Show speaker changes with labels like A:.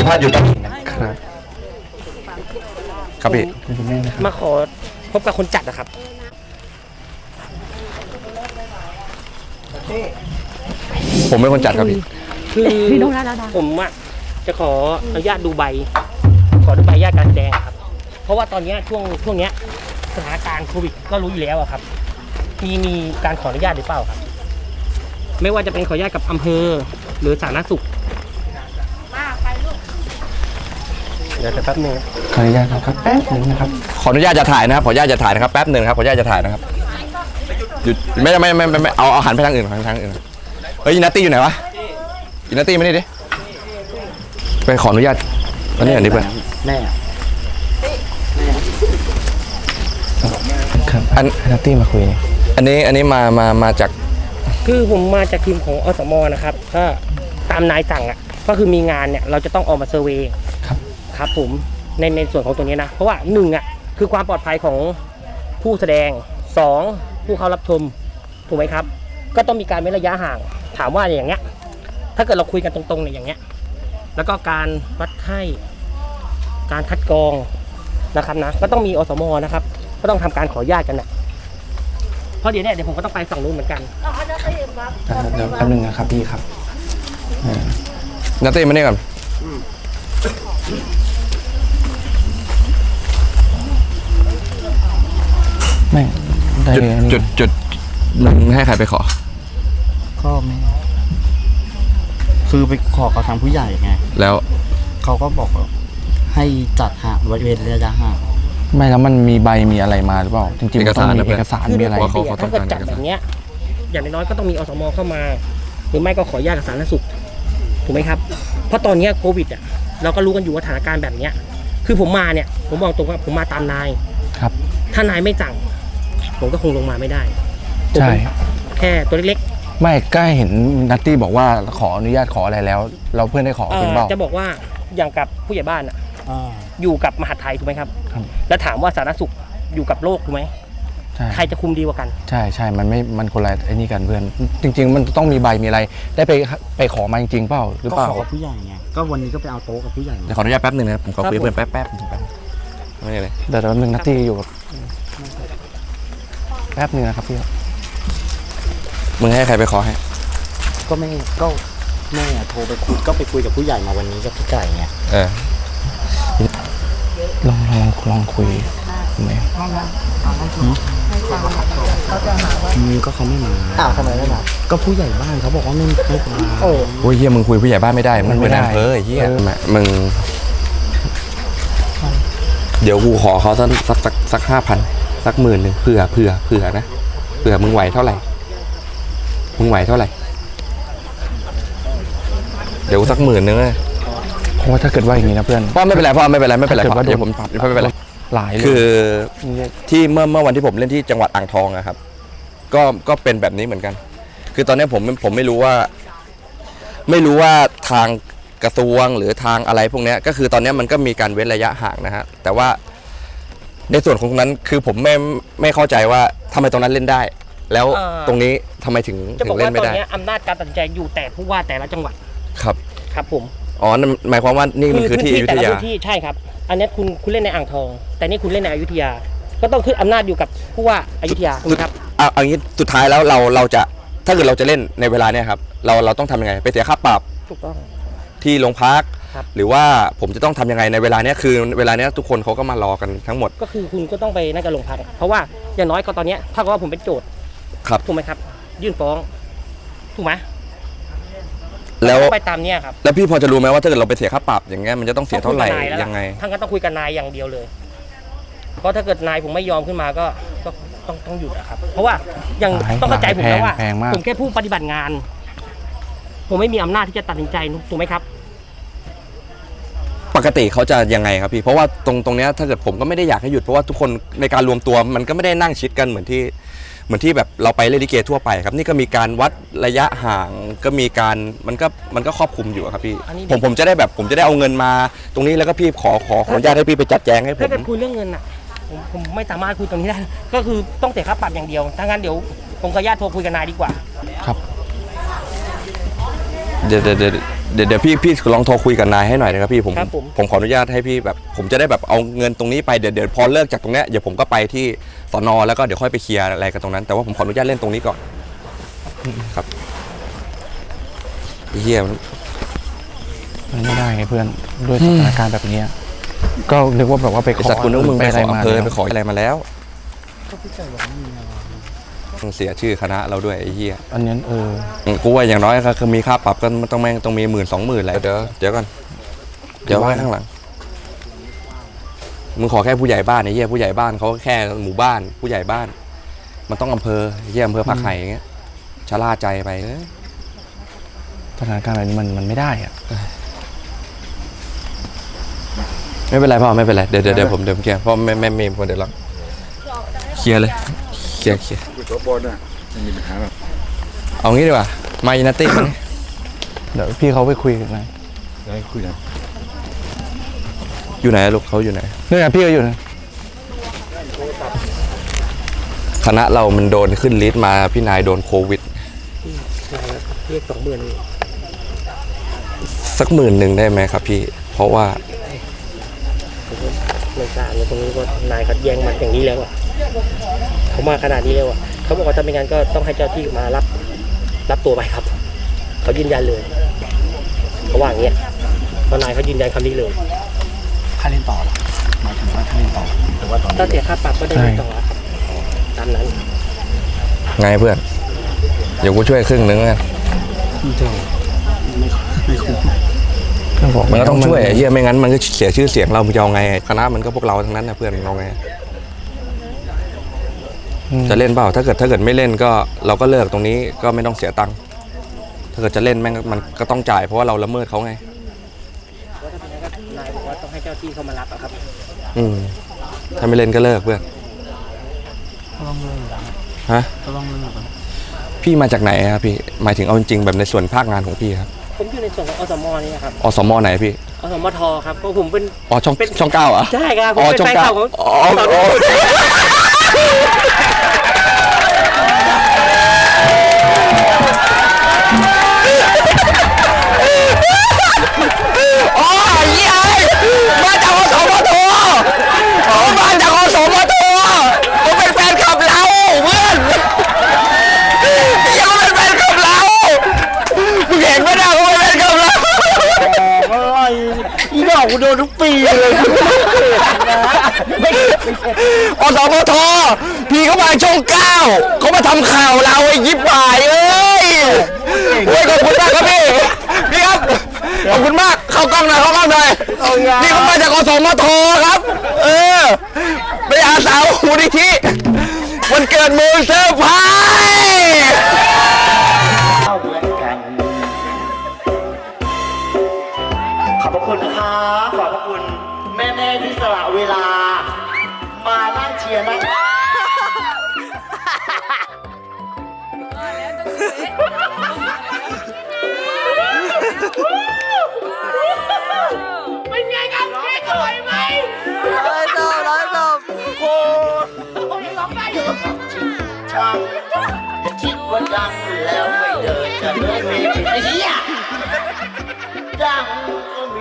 A: ภาษณ์อยู่ครับครับพี่
B: มาขอพบกับคนจัดนะครับ
A: ผมเป็นคนจัดครับพี่
B: คือผมอะจะขออนุญาตดูใบขอดูใบญาตการแสดงครับเพราะว่าตอนนี้ช่วงเนี้ยสถานการณ์โควิดก็รู้อยู่แล้วครับมีการขออนุญาตหรือเปล่าครับไม่ว่าจะเป็นขออนุญาตกับอำเภอหรือสาธารณสุขเดี๋ยวแป๊บนึง
C: ขออนุญาตครับแป๊บนึงนะครับ
A: ขออนุญาตจะถ่ายนะครับขออนุญาตจะถ่ายนะครับแป๊บนึงครับขออนุญาตจะถ่ายนะครับหยุดไม่เอาหันไปทางอื่นทางอื่นเฮ้ยอินาตี้อยู่ไหนวะอินาตี้มานี่ดิไปขออนุญาตอันนี้เพื่อน
C: แม่ครับอันนัตตี้มาคุย
A: อันนี้มาจาก
B: คือผมมาจากทีมของอสมนะครับก็ตามนายสั่งอ่ะก็คือมีงานเนี่ยเราจะต้องออกมาเซอร์เวย์ครับผมในส่วนของตัวนี้นะเพราะว่า1อ่ะคือความปลอดภัยของผู้แสดง2ผู้เข้ารับชมถูกไหมครับก็ต้องมีการเว้นระยะห่างถามว่าอย่างเงี้ยถ้าเกิดเราคุยกันตรงๆเนี่ยอย่างเงี้ยแล้วก็การวัดไข้การคัดกรองนะครับนะก็ต้องมีอสมนะครับก็ต้องทำการขออนุญาตกันนะเพราะเดี๋ยวผมก็ต้องไปฝั่งนู้นเหมือนกัน
C: เดี๋ยวแป๊บนึงนะครับพี่ครับ
A: นัตตี้มานี่ก่อน
C: ไม่ได้
A: จุดมึงให้ใครไปขอ
C: ก็ไม่คือไปขอเขาทางผู้ใหญ่ไง
A: แล้ว
C: เขาก็บอกให้จัดห่างเว้นระยะห่างไม่แล้วมันมีใบมีอะไรมาหรือเปล่าจริงๆต้องมีเอกสารมีอะไร
B: ถ้าเกิดจัดอย่างเงี้ยอย่างน้อยๆก็ต้องมีอสมเข้ามาหรือไม่ก็ขออนุญาตกับสาธารณสุขถูกไหมครับเพราะตอนนี้โควิดอ่ะเราก็รู้กันอยู่ว่าสถานการณ์แบบเนี้ยคือผมมาเนี่ยผมบอกตรงว่าผมมาตามนาย
C: ครับ
B: ถ้านายไม่สั่งผมก็คงลงมาไม่ได้
C: ใช่
B: แค่ตัวเล็ก
C: ๆไม่ใกล้เห็นนัตตี้บอกว่าขออนุญาตขออะไรแล้วเราเพื่อนได้ขอเป็นเปล่า
B: จะบอกว่าอย่างกับผู้ใหญ่บ้านอ่ะอยู่กับมหาดไทยถูกไหมครับแล้วถามว่าสาธารณสุขอยู่กับโลกถูกไหมใครจะคุมดีกว่ากัน
C: ใช่มันคนละไอ้นี่กันเพื่อนจริงๆมันต้องมีใบมีอะไรได้ไปขอมาจริงๆเปล่าหรือเปล่าก็ขอผู้ใหญ่ไงก็วันนี้ก็ไปเอาโต๊ะกับผู้ใหญ่
A: เดี๋ยวขออนุญาตแป๊บนึงนะครับผมขอคุยเพื่อนแป๊บไม่เลย
C: เดี๋ยวนึงนัตตี้อยู่แป๊บนึงนะครับพี่
A: มึงให้ใครไปขอให้
C: ก็แม่โทรไปคุยก็ไปคุยกับผู้ใหญ่มาวันนี้กับพี่ไก่ไงลองคุยไหมก็เขาไม่มาทำไมไม่มาก็ผู้ใหญ่บ้านเขาบอกว่าไม่มา
A: โอ้ยเฮียมึงคุยผู้ใหญ่บ้านไม่ได้มึงไม่ได้เฮียมึงเดี๋ยวกูขอเขาสัก5,000สัก10,000นึงเผื่อนะเผื่อมึงไหวเท่าไหร่เดี๋ยวสัก10,000นึงเลย
C: เพราะว่าถ้าเกิดว่าอย่างนี้นะเพื่อน
A: พ่อไม่เป็นไรเดี๋ยวผมไม่เป็นไร
C: หลาย
A: คือที่เมื่อวันที่ผมเล่นที่จังหวัดอ่างทองนะครับก็เป็นแบบนี้เหมือนกันคือตอนนี้ผมไม่รู้ว่าทางกระทรวงหรือทางอะไรพวกนี้ก็คือตอนนี้มันก็มีการเว้นระยะห่างนะฮะแต่ว่าในส่วนของนั้นคือผมไม่เข้าใจว่าทำไมตรงนั้นเล่นได้แล้วตรงนี้ทำไมถึงเล่นไม่ได้
B: จะบอกว่าตอนนี้อำนาจการตัดสินใจอยู่แต่ผู้ว่าแต่ละจังหวัดครับผม
A: อ๋อหมายความว่านี่มันคือที่อยุธยา
B: ใช่ครับอันนี้คุณเล่นในอ่างทองแต่นี่คุณเล่นในอยุธยาก็ต้องขึ้นอำนาจอยู่กับผู้ว่าอยุธยาครับ
A: เอางี้สุดท้ายแล้วเราจะถ้าเกิดเราจะเล่นในเวลาเนี้ยครับเราต้องทำยังไงไปเสียค่าปรับ
B: ถูกต้อง
A: ที่โรงพักหรือว่าผมจะต้องทำยังไงในเวลาเนี้ยคือเวลาเนี้ยทุกคนเขาก็มารอกันทั้งหมด
B: ก็คือคุณก็ต้องไปนั่งกับโรงพักเพราะว่าอย่างน้อยก็ตอนนี้ถ้าว่าผมเป็นโจทย์ถูกไหมครับยื่นฟ้องถูกไหม
A: แล้ว
B: ไปตามเนี่ยครับ
A: แล้วพี่พอจะรู้ไหมว่าถ้าเกิดเราไปเสียค่าปรับอย่างเงี้ยมันจะต้องเสียเท่าไหร่ยังไง
B: ทั้งก็ต้องคุยกับนายอย่างเดียวเลยเพราะถ้าเกิดนายผมไม่ยอมขึ้นมาก็ต้องหยุดอะครับเพราะว่ายังต้องเข้าใจผมนะว่าผมแค่ผู้ปฏิบัติงานผมไม่มีอำนาจที่จะตัดสินใจถูกไหมครับ
A: ปกติเขาจะยังไงครับพี่เพราะว่าตรงเนี้ยถ้าเกิดผมก็ไม่ได้อยากให้หยุดเพราะว่าทุกคนในการรวมตัวมันก็ไม่ได้นั่งชิดกันเหมือนที่แบบเราไปเล่นลิเกทั่วไปครับนี่ก็มีการวัดระยะห่างก็มีการมันก็ครอบคลุมอยู่ครับพี่ผมจะได้เอาเงินมาตรงนี้แล้วก็พี่ขออนุญาตให้พี่ไปจัดแจงให้ผม
B: ถ้าเกิดคุยเรื่องเงินอ่ะผมไม่สามารถคุยตรงนี้ได้ก็คือต้องเสียค่าปรับอย่างเดียวถ้างั้นเดี๋ยวผมขออนุญาตโทรคุยกับนายดีกว่า
C: ครับ
A: เดี๋ยวพี่ลองโทรคุยกับนายให้หน่อยนะครับพี่ผมขออนุญาตให้พี่แบบผมจะได้แบบเอาเงินตรงนี้ไปเดี๋ยวพอเลิกจากตรงเนี้ยเดี๋ยวผมก็ไปที่สน.แล้วก็เดี๋ยวค่อยไปเคลียร์อะไรกันตรงนั้นแต่ว่าผมขออนุญาตเล่นตรงนี้ก่อนครับเฮีย
C: มันไม่ได้ไงเพื่อนด้วยสถานการณ์แบบนี้ก็นึกว่าแบบว่าไปข
A: ไอ้
C: อ
A: สัตว์คุณนึกว่ามึงไปขอ
C: มา
A: อำเภอไปขออะไรมาแล้วต้องเสียชื่อคณะเราด้วยไอ้เหี้ย
C: อันนี้
A: กูว่าอย่างน้อยก็คือมีค่าปรับก็ต้องมี10,000-20,000แหละเดี๋ยวก่อนเดี๋ยวไว้ข้างหลังมึงขอแค่ผู้ใหญ่บ้านไอ้เหี้ยผู้ใหญ่บ้านเขาแค่หมู่บ้านผู้ใหญ่บ้าน มันต้องอำเภอไอ้เหี้ยอำเภอผักไห่อย่างเงี้ยชะล่าใจไป
C: สถานการณ์แบบนี้มันไม่ได้อะ
A: ไม่เป็นไรพ่อไม่เป็นไรเดี๋ยวผมเคลียร์เพราะไม่มีคนเดี๋ยวหรอกเคลียร์เลยเคลียร์
D: ตัวบนอ่ะไม่มีปัญหาหรอก
A: เอางี้ดีกว่ามาอินาตี้มานี่
C: เดี๋ยวพี่เขาไปคุยกันนะ
D: จะให้คุยกัน
A: อยู่ไหนลูกเขาอยู่ไหน
C: นี่ไงพี่ก็อยู่นะ
A: คณะเรามันโดนขึ้นลิสต์มาพี่นายโดนโควิด
B: เรียก20,000
A: สัก10,000ได้ไหมครับพี่เพราะว่า
B: ไม่กล้าเลยตรงนี้ก็นายเขาแย่งมันอย่างนี้แล้วอ่ะเขามาขนาดนี้แล้วอ่ะเขาบอกว่าถ้าไม่งั้นก็ต้องให้เจ้าที่มารับตัวไปครับเขายืนยันเลยเขาว่าอย่างเงี้ยทนายเขายืนยันคำนี้เลย
C: ค่าเล่นต่อหมายถึงว่าค่าเล่นต่อหรือว่าตอน
B: ถ้าเสียค่าปรับก็ได้เงินต่อครับตามนั้น
A: ไงเพื่อนเดี๋ยวกูช่วยครึ่งนึงกัน มันก็ต้องช่วยไอ้เหี้ยไม่งั้นมันก็เสียชื่อเสียงเรามึงจะเอาไงคณะมันก็พวกเราทั้งนั้นนะเพื่อนเราไงจะเล่นเปล่าถ้าเกิดไม่เล่นก็เราก็เลิกตรงนี้ก็ไม่ต้องเสียตังค์ถ้าเกิดจะเล่นแม่งมันก็ต้องจ่ายเพราะว่าเราละเมิดเขาไง
B: ว่าถ้าเป็นอย่างนั้นก็นายบอกว่าต้องให้เจ้าที่เขามารับอะครับ
A: ถ้าไม่เล่นก็เลิกเพื่อนฮะพี่มาจากไหนครับพี่หมายถึงเอาจริงๆแบบในส่วนภาคงานของพี่ครับ
B: ผมอยู่ในส่วนของอสมนี่ครับ
A: อสมไหนพี่
B: อสมทครับเพราะผมเป็น
A: ช่อง9เหรอ
B: ใช่ครับผมเป็นแฟนคลับของ
A: อ๋อมาจากอสมทมาจากอสมทผมเป็นแฟนคลับเราเพื่อนยังเป็นแฟนคลับเรามึงเห็นไหมนะเขาเป็นแฟนคลับเรา
B: อะไรอีดอกกูโดนทุกปีเลย
A: อสมทพี่เขามาช่อง9เขามาทำข่าวเราไอ้ยิบหายเอ้ยขอบคุณมากครับพี่ครับขอบคุณมากเข้ากล้องหน่อยนี่เขามาจากอสมทครับไปอาสาวมูลนิธิวันเกิดมือเซอร์ไพรส์
E: ขอบพระคุณนะคะขอบพระคุณแม่ๆที่สละเวลา มานั่งเชียร์นั่ง เป็นไงครับเค้กอร่อยไหมร้อยจบโอ้ยร้องได้อยู่ช่างคิดว่าดังแล้วไม่เดินจะเลิกเวทีไอ้เหี้ยดัง